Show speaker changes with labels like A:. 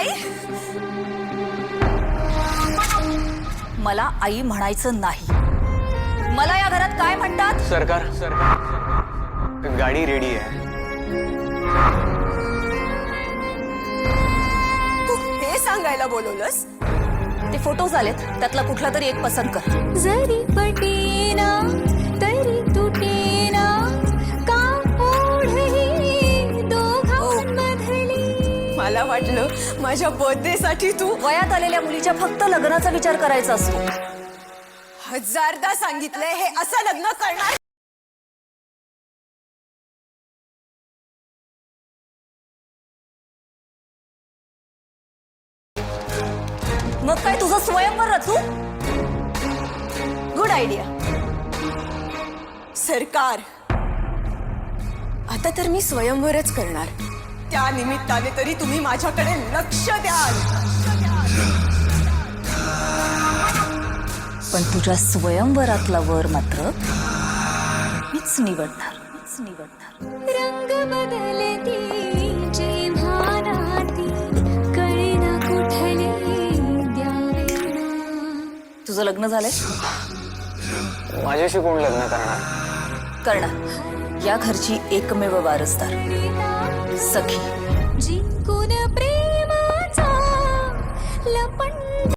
A: आई, मला आई म्हणायचं नाही. मला या घरात काय म्हणतात?
B: सरकार गाडी रेडी आहे.
A: तू हे सांगायला बोलवलंस? ते फोटोज आलेत, त्यातला कुठला तरी एक पसंत कर.
C: जरी पटेना तरी तुटेना का ओढही दोघांमधली.
A: मला वाटलं माझ्या बर्थडे साठी तू वयात आलेल्या मुलीच्या फक्त लग्नाचा विचार करायचा असतो. हजारदा सांगितलंय हे असं लग्न करणार. मग काय तुझं स्वयंवर रचू? Good idea. सरकार, आता तर मी स्वयंवरच करणार. त्या निमित्ताने तरी तुम्ही माझ्याकडे लक्ष द्याल. पण तुझ्या स्वयंवरातला वर मात्र मीच निवडणार.
C: रंग बदलती जेव्हा राती कळेना कुठले द्यावे.
A: तुझं लग्न झालंय?
B: माझ्याशी कोण लग्न करणार?
A: करणार. या घरची एकमेव वारसदार सखी.